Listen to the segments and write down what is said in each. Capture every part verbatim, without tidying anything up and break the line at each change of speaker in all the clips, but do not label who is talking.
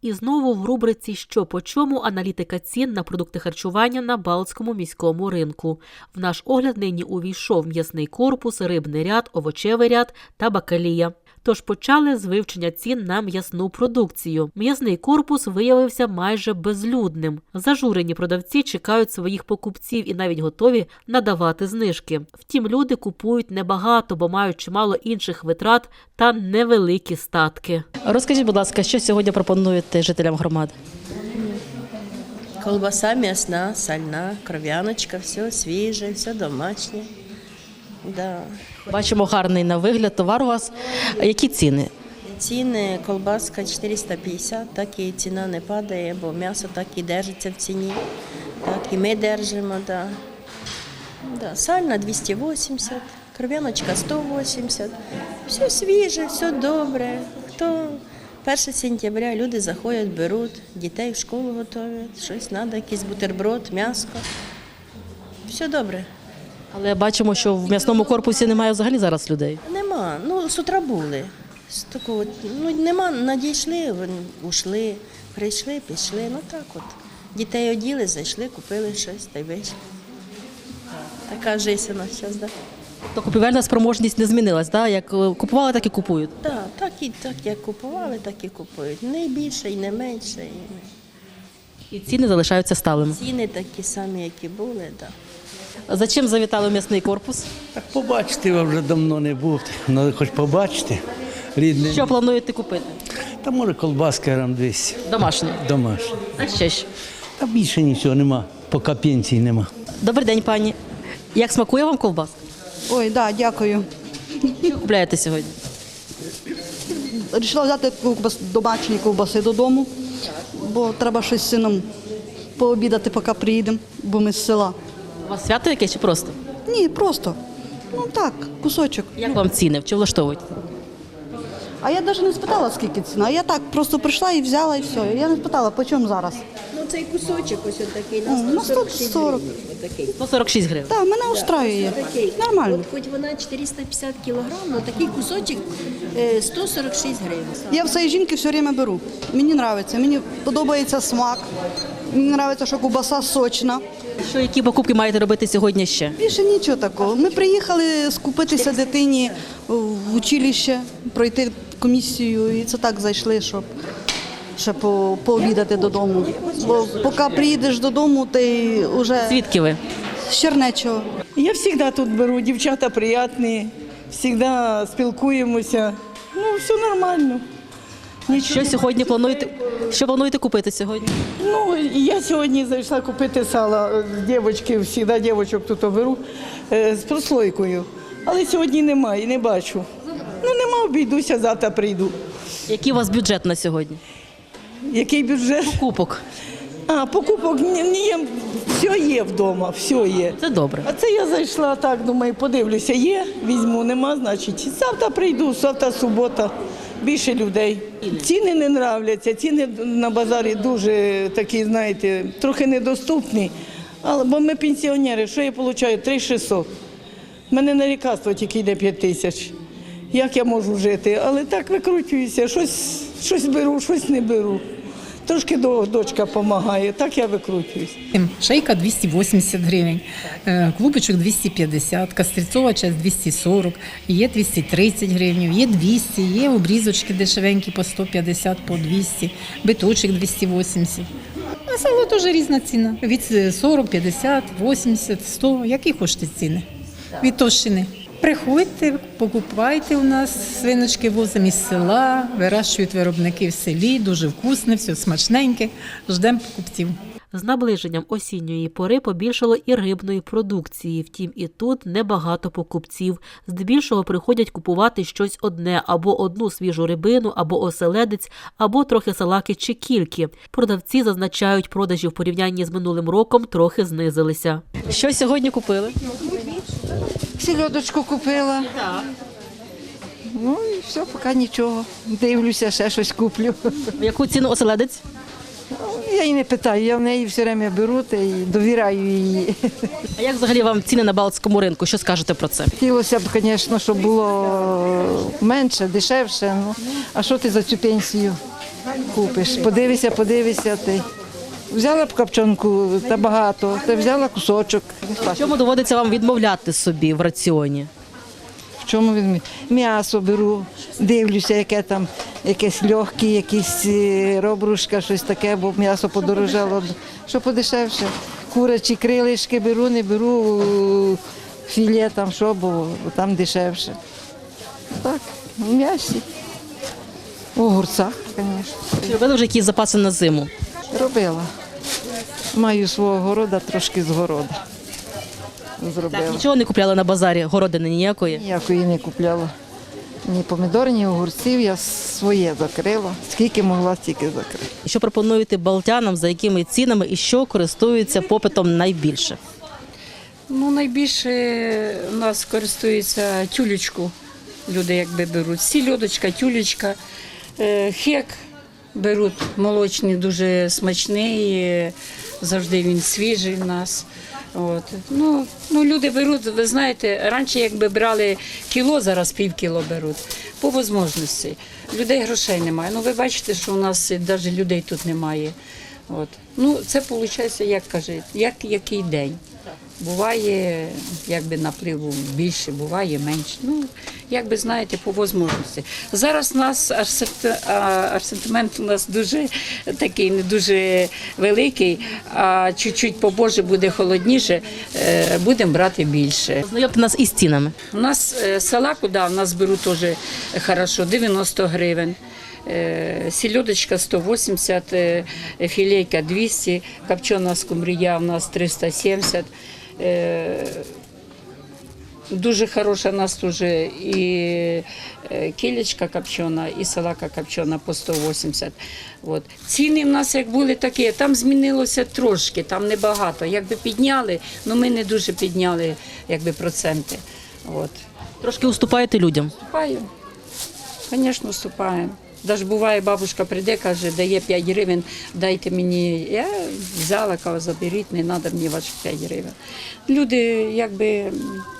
І знову в рубриці «Що по чому» аналітика цін на продукти харчування на Балтському міському ринку. В наш огляд нині увійшов м'ясний корпус, рибний ряд, овочевий ряд та бакалія. Тож почали з вивчення цін на м'ясну продукцію. М'ясний корпус виявився майже безлюдним. Зажурені продавці чекають своїх покупців і навіть готові надавати знижки. Втім, люди купують небагато, бо мають чимало інших витрат та невеликі статки.
Розкажіть, будь ласка, що сьогодні пропонуєте жителям громади?
Колбаса м'ясна, сальна, кров'яночка, все свіже, все домашнє. Да.
Бачимо гарний на вигляд товар у вас. Які ціни?
Ціни, колбаска чотириста п'ятдесят, так і ціна не падає, бо м'ясо так і держиться в ціні, так і ми держимо. Да. Да. Сальна двісті вісімдесят, кров'яночка сто вісімдесят, все свіже, все добре. Хто перше сентября люди заходять, беруть, дітей в школу готують, щось треба, якийсь бутерброд, м'ясо. Все добре.
Але бачимо, що в м'ясному корпусі немає взагалі зараз людей.
Нема, ну з утра були. З такого, ну нема, надійшли, вони ушли, прийшли, пішли, ну так от. Дітей оділи, зайшли, купили щось та й вийшли. Така життя у нас зараз, так?
То купівельна спроможність не змінилась, да? Як купували, так і купують?
Так, так, і, так як купували, так і купують. Не більше і не менше. І...
І ціни залишаються сталими.
Ціни такі самі, які були, так.
За чим завітали в м'ясний корпус?
Так побачити я вже давно не був, але хоч побачити рідне.
Що плануєте купити?
Та може колбаска грам двісті.
Домашні.
Домашня.
А ще що?
Та більше нічого нема, поки пенсії нема.
Добрий день, пані. Як смакує вам ковбаска?
Ой, да, дякую.
Що купляєте сьогодні?
Рішила взяти ковбас, домашні ковбаси додому, бо треба щось з сином пообідати, поки приїдемо, бо ми з села.
У вас свято якесь чи просто?
Ні, просто. Ну так, кусочок.
Як вам ціни? Чи влаштовують?
А я навіть не спитала, скільки ціна. Я так просто прийшла і взяла, і все. Я не спитала, по чому зараз.
Ну цей кусочок ось такий
О, на сто сорок.
сто сорок шість гривень.
Так, мене устраює. Нормально.
От хоч вона чотириста п'ятдесят кілограм, але такий кусочок е, сто сорок шість гривень.
Я в цієї жінки все время беру. Мені подобається. Мені подобається смак. Мені подобається, що ковбаса сочна.
Що, які покупки маєте робити сьогодні ще?
Більше нічого такого. Ми приїхали скупитися дитині в училище, пройти комісію, і це так зайшли, щоб ще по, пообідати додому. Бо поки приїдеш додому, ти вже
Звідки ви?
з Чернечого.
Я завжди тут беру, дівчата приємні, завжди спілкуємося. Ну, все нормально.
Що сьогодні плануєте? Що плануєте купити сьогодні?
Ну, я сьогодні зайшла купити сало з дівчатки, завжди дівчаток тут беру, е, з прослойкою. Але сьогодні немає, не бачу. Ну, нема, обійдуся, завтра прийду.
Який у вас бюджет на сьогодні?
Який бюджет?
Купок.
А, покупок ні, ні, все є вдома, все є.
Це добре.
А це я зайшла так, думаю, подивлюся, є, візьму, нема, значить. Завтра прийду, завтра субота, більше людей. Ціни не нравляться, ціни на базарі дуже такі, знаєте, трохи недоступні. Але, бо ми пенсіонери, що я отримую? три тисячі шістсот. У мене на лікарство тільки йде п'ять тисяч. Як я можу жити? Але так викручуюся, щось, щось беру, щось не беру. Трошки дочка допомагає, так я викручуюсь.
Шейка двісті вісімдесят гривень, клубочок двісті п'ятдесят, кастрицова часть двісті сорок, є двісті тридцять гривень, є двісті, є обрізочки дешевенькі по сто п'ятдесят, по двісті, биточок двісті вісімдесят. А сало теж різна ціна, від сорок, п'ятдесят, вісімдесят, сто, які хочете ціни, від товщини. Приходьте, покупайте у нас, свиночки возимо із села, вирощують виробники в селі, дуже вкусне, все смачненьке, ждемо покупців.
З наближенням осінньої пори побільшало і рибної продукції, втім і тут небагато покупців. Здебільшого приходять купувати щось одне – або одну свіжу рибину, або оселедець, або трохи салаки чи кільки. Продавці зазначають, продажі в порівнянні з минулим роком трохи знизилися.
Що сьогодні купили?
Сільодочку купила. Так. Ну і все, поки нічого. Дивлюся, ще щось куплю.
В яку ціну оселедець?
Я її не питаю, я в неї все время беру та і довіряю її.
А як взагалі вам ціни на Балтському ринку? Що скажете про це?
Хотілося б, звісно, щоб було менше, дешевше. Ну, а що ти за цю пенсію купиш. Подивися, подивися ти. Взяла б копчонку та багато, та взяла кусочок.
В чому доводиться вам відмовляти собі в раціоні?
В чому він? М'ясо беру, дивлюся, яке там, якесь легке, якісь е, робрушка, щось таке, бо м'ясо подорожало. Що подешевше? Курячі крилишки беру, не беру е, філе, там що, бо там дешевше. Так, в м'ясі. У огурцах, звісно.
Чи робили вже якісь запаси на зиму?
Робила. Маю свого города, трошки з города. Зробила.
Нічого не купляли на базарі, городини ніякої?
Ніякої не купляла. Ні помідор, ні огурців, я своє закрила. Скільки могла, стільки закрила.
Що пропонуєте балтянам, за якими цінами і що користуються попитом найбільше?
Ну, найбільше у нас користується тюлечку. Люди якби беруть. Сільодочка, тюлечка, е, хек беруть молочний, дуже смачний, е, завжди він свіжий в нас. От. Ну, ну, люди беруть, ви знаєте, раніше якби брали кіло, зараз пів кіло беруть. По можливості. Людей грошей немає. Ну, ви бачите, що у нас навіть людей тут немає. От. Ну, це виходить, як кажуть, як який день. Буває, якби напливу більше, буває менше. Ну, як би знаєте, по можливості. Зараз у нас асортимент у нас дуже такий, не дуже великий, а чуть-чуть побоже буде холодніше, е, будемо брати більше.
Знайомте нас із цінами.
У нас е, салаку, да, у нас беруть теж хорошо, дев'яносто гривень. Е, Сільодочка сто вісімдесят, е, філейка двісті, копчена скумбрія у нас триста сімдесят. Е, Дуже хороша у нас теж і кілечка копчена, і салака копчена по сто вісімдесят. От. Ціни в нас як були такі, там змінилося трошки, там небагато. Якби підняли, але ми не дуже підняли якби, проценти. От.
Трошки уступаєте людям?
Вступаємо. Звісно, вступаємо. Навіть буває, бабушка прийде, каже, дає п'ять гривень, дайте мені. Я взяла, кажу, заберіть, не треба мені ваших п'ять гривень. Люди, якби,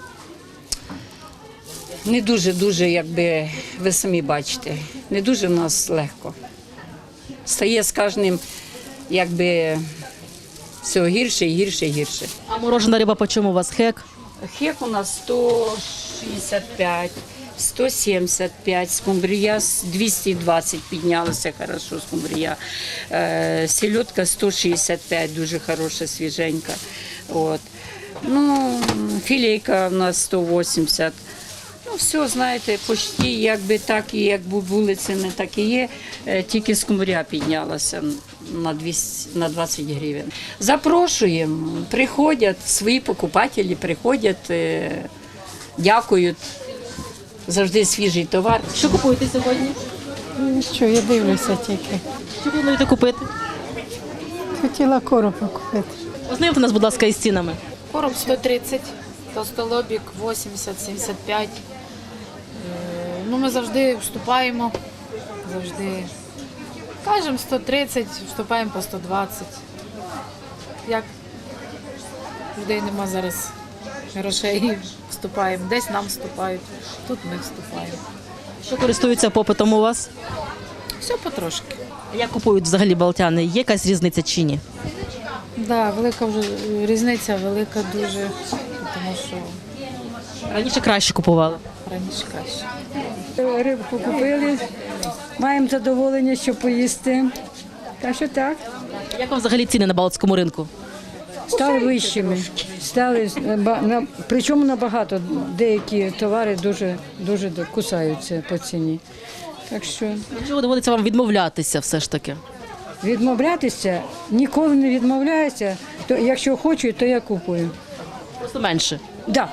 не дуже-дуже, якби, ви самі бачите, не дуже в нас легко. Стає з кожним, якби, все гірше і гірше і гірше.
А морожена риба по чому у вас хек?
Хек у нас сто шістдесят п'ять, сто сімдесят п'ять, скумбрія двісті двадцять піднялася, хорошо скумбрія. Е, Сельодка сто шістдесят п'ять, дуже хороша, свіженька. От. Ну, філейка у нас сто вісімдесят. Ну, все, знаєте, почти якби так, і як були ціни, так і є. Е, Тільки скумбрія піднялася на двісті, на двадцять гривень. Запрошуємо, приходять, свої покупателі приходять, е, дякують. Завжди свіжий товар.
Що купуєте сьогодні?
Що, я дивлюся тільки.
Що плануєте купити?
Хотіла коропа купити.
Ознайомте нас, будь ласка, із цінами.
Короб сто тридцять, толстолобік вісімдесят сімдесят п'ять. Е, Ну, ми завжди вступаємо, завжди кажемо сто тридцять, вступаємо по сто двадцять. Як людей нема зараз грошей, вступаємо. Десь нам вступають, тут ми вступаємо.
Що користуються попитом у вас?
Все потрошки.
Як купують взагалі балтяни? Є якась різниця чи ні?
Так, да, велика вже різниця, велика дуже, тому що
Раніше краще купували.
раніше краще.
Рибку купили, маємо задоволення, що поїсти. Так що так,
Як вам взагалі ціни на балтському ринку?
стали вищими. Стали, ба- на- причому набагато. Деякі товари дуже, дуже до- кусаються по ціні. Так що
Від чого доводиться вам відмовлятися все ж таки?
відмовлятися, ніколи не відмовляюся. То, якщо хочу, то я купую.
Просто менше.
Да.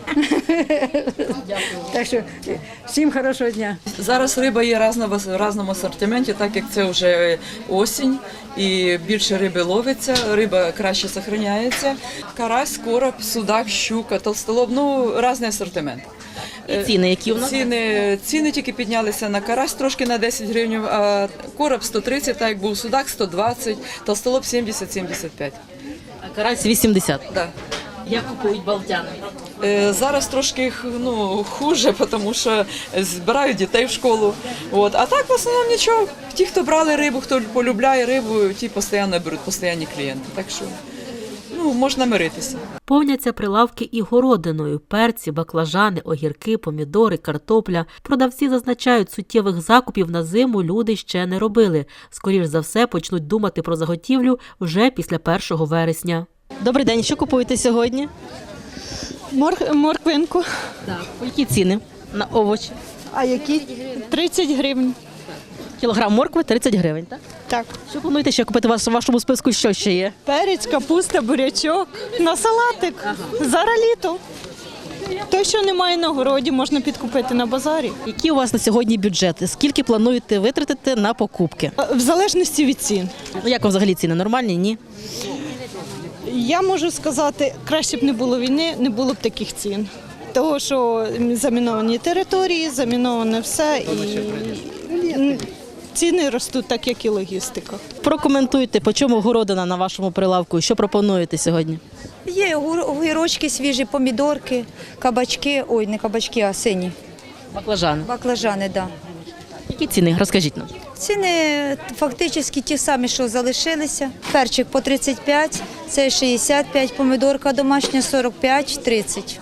Так що всім хорошого дня.
Зараз риба є різна в різному асортименті, так як це вже осінь і більше риби ловиться, риба краще зберігається. Карась, короб, судак, щука, толстолоб, ну різний асортимент.
І ціни, які у нас?
Ціни, ціни тільки піднялися на карась трошки на десять гривень, а короб сто тридцять, так як був судак сто двадцять, толстолоб сімдесят сімдесят п'ять.
А карась вісімдесят.
Да.
Як купують балтяни?
Е, Зараз трошки ну, хуже, тому що збирають дітей в школу. От. А так в основному нічого. Ті, хто брали рибу, хто полюбляє рибу, ті постійно беруть, постійні клієнти. Так що ну, можна миритися.
Повняться прилавки і городиною. Перці, баклажани, огірки, помідори, картопля. Продавці зазначають, суттєвих закупів на зиму люди ще не робили. Скоріш за все, почнуть думати про заготівлю вже після першого вересня.
Добрий день, що купуєте сьогодні?
Мор- морквинку.
Так. Які ціни на овочі?
А які? тридцять гривень.
Кілограм моркви тридцять гривень, так?
Так.
Що плануєте ще купити у вас- у вашому списку, що ще є?
Перець, капуста, бурячок. На салатик. Зараз літо. Той, що немає на городі, можна підкупити на базарі.
Які у вас на сьогодні бюджети? Скільки плануєте витратити на покупки?
В залежності від цін.
Ну, як вам взагалі ціни? Нормальні? Ні?
Я можу сказати, краще б не було війни, не було б таких цін. Того, що заміновані території, заміноване все і ціни ростуть так, як і логістика.
Прокоментуйте, по чому городина на вашому прилавку? Що пропонуєте сьогодні?
Є огірочки свіжі, помідорки, кабачки, ой, не кабачки, а сині.
Баклажани.
Баклажани, так. Да.
Які ціни? Розкажіть нам.
Ціни фактично ті самі, що залишилися. Перчик по тридцять п'ять, це шістдесят п'ять, помідорка домашня сорок п'ять, тридцять.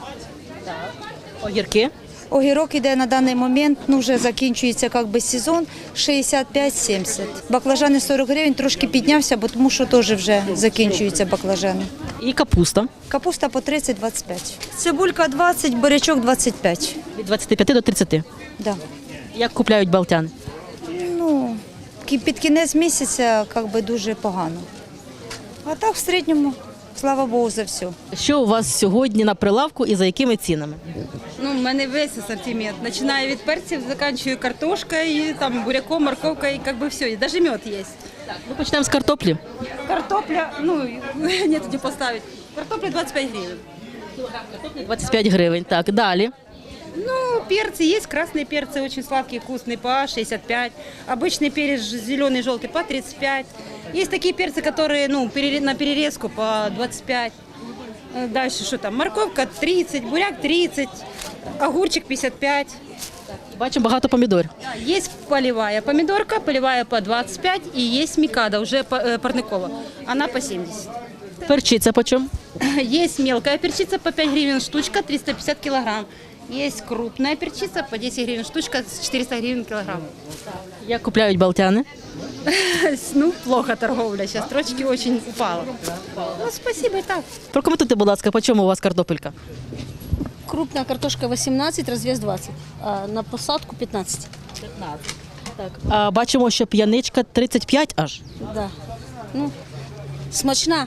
Огірки?
Огірок іде на даний момент, ну вже закінчується як би сезон, шістдесят п'ять сімдесят. Баклажани сорок гривень, трошки піднявся, бо тому що теж вже закінчуються баклажани.
І капуста?
Капуста по тридцять - двадцять п'ять. Цибулька двадцять, бурячок двадцять п'ять.
Від двадцяти п'яти до тридцяти?
Да.
Як купляють балтяни?
Ну, кі- під кінець місяця як би дуже погано. А так в середньому, слава Богу, за все.
Що у вас сьогодні на прилавку і за якими цінами?
Ну, в мене весь асортимент. Починаю від перців, заканчую картошкою, там, буряком, морковкою, як би все. І навіть мед є.
Ми почнемо з картоплі.
Картопля, ну, нет, де поставити. Картопля двадцять п'ять гривень.
двадцять п'ять гривень, так. Далі.
Ну, перцы есть, красные перцы очень сладкие, вкусные, по шестьдесят пять. Обычный перец зеленый, желтый по тридцать пять. Есть такие перцы, которые, ну, пере- на перерезку по двадцать пять. Э, Дальше что там? Морковка тридцать, буряк тридцать, огурчик пятьдесят пять.
Бачимо багато помідорів.
Да, есть полевая помидорка, полевая по двадцать пять, и есть микада, уже по- э, парникова. Она по семьдесят.
Перчиця по чому?
Есть мелкая перчица по пять гривен штучка, триста пятьдесят килограмм. Есть крупная перчица по десять гривен штучка, четыреста гривен килограмм.
Як купляють балтяни?
Ну, плохо торговля сейчас, строчки очень упала. Ну, спасибо и так.
Прокоментуйте, будь ласка, по чому у вас картопелька?
Крупная картошка восемнадцать, развес двадцать, а на посадку пятнадцать.
Так. А бачимо, що п'яничка тридцять п'ять аж.
Да. Ну, смачна.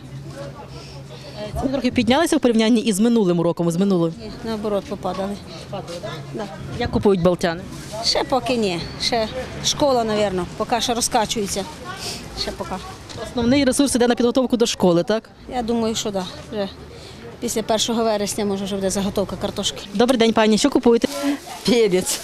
Ціни трохи піднялися в порівнянні із минулим роком, з минулим.
Ні, наоборот, попадали. Да.
Як купують балтяни?
Ще поки ні. Ще школа, мабуть, поки що розкачується. Ще поки.
Основний ресурс йде на підготовку до школи, так?
Я думаю, що так. Да. Вже після першого вересня, може, вже буде заготовка картошки.
Добрий день, пані. Що купуєте?
Перец.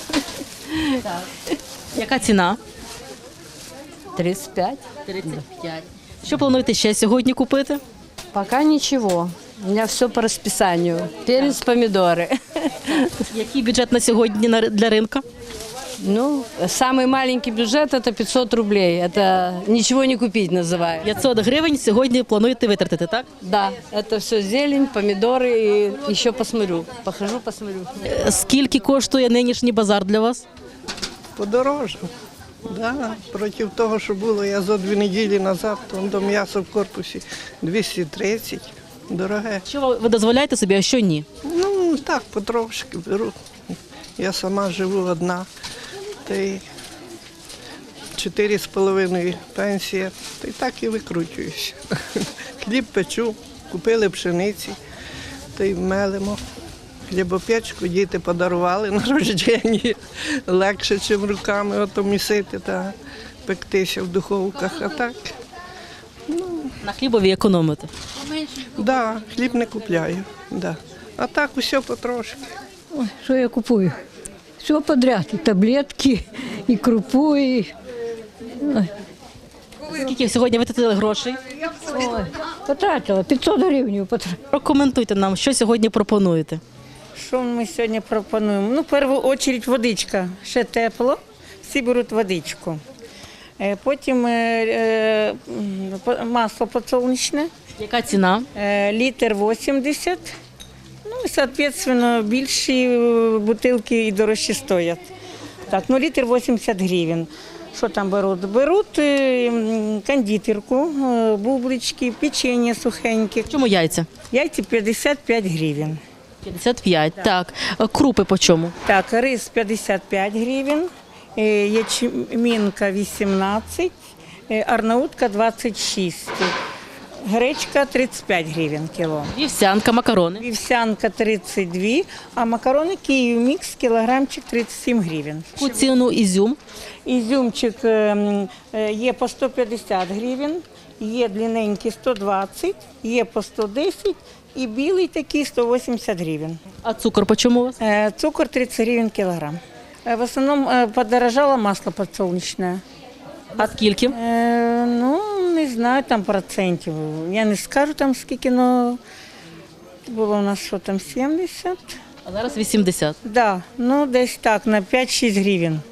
Яка ціна?
тридцать пять.
тридцять п'ять. Що плануєте ще сьогодні купити?
Пока ничего. У меня все по расписанию. Перец, помидоры.
Який бюджет на сьогодні на- для ринка?
Ну, самый маленький бюджет это пятьсот рублей. Это ничего не купить называется.
п'ятсот гривень сьогодні плануєте витратити, так?
Да, это все зелень, помидоры и еще посмотрю. Похожу, посмотрю.
Е, Скільки коштує нинішній базар для вас?
Подорожав. Да, проти того, що було я зо дві неділі назад, там до м'яса в корпусі двісті тридцять. Дороге.
Що ви- ви дозволяєте собі, а що ні?
Ну, так, потрошки беру. Я сама живу одна. Та й чотири з половиною пенсія. Та й так і викручуюся. Хліб печу, купили пшениці, та й мелимо. Хлібопечку діти подарували на рождення. Легше, ніж руками ото місити та пектися в духовках. А так,
На хлібові економите.
да, хліб не купляю. Да. А так усе потрошки.
Ой, що я купую? Все подряд. І таблетки, і крупу, і... Ой,
Скільки сьогодні витратили грошей?
ой, потратила, п'ятсот гривень потратила.
Прокоментуйте нам, що сьогодні пропонуєте.
Що ми сьогодні пропонуємо? Ну, в першу чергу водичка. Ще тепло, всі беруть водичку. Е, Потім е, е, по- масло підсолнечне.
Яка ціна?
Е, Літр вісімдесят. Ну, і, соответственно, більші е, бутилки і дорожчі стоять. Так, ну літр вісімдесят гривень. Що там беруть? Беруть е, м, кондитерку, е, бублички, печення сухеньке.
Чому яйця?
Яйці п'ятдесят п'ять гривень.
п'ятдесят п'ять, так. Е, Крупи по чому?
Так, рис п'ятдесят п'ять гривень, е, ячмінка вісімнадцять, е, арнаутка двадцять шість. Гречка тридцять п'ять гривень кіло.
Вівсянка, макарони.
Вівсянка тридцять два, а макарони Київ мікс кілограмчик тридцять сім гривень.
Яку ціну ізюм?
Ізюмчик е, м, е, є по сто п'ятдесят гривень, є длинненький сто двадцять, є по сто десять і білий такий сто вісімдесят гривень.
А цукор по чому у вас?
Е, Цукор тридцять гривень кілограм. Е, В основному е, подорожало масло підсолнечне.
А скільки?
Е, ну, не знаю, там процентів. Я не скажу там скільки, але було у нас що там сімдесят.
А зараз вісімдесят.
Да, ну десь так, на п'ять-шість гривень.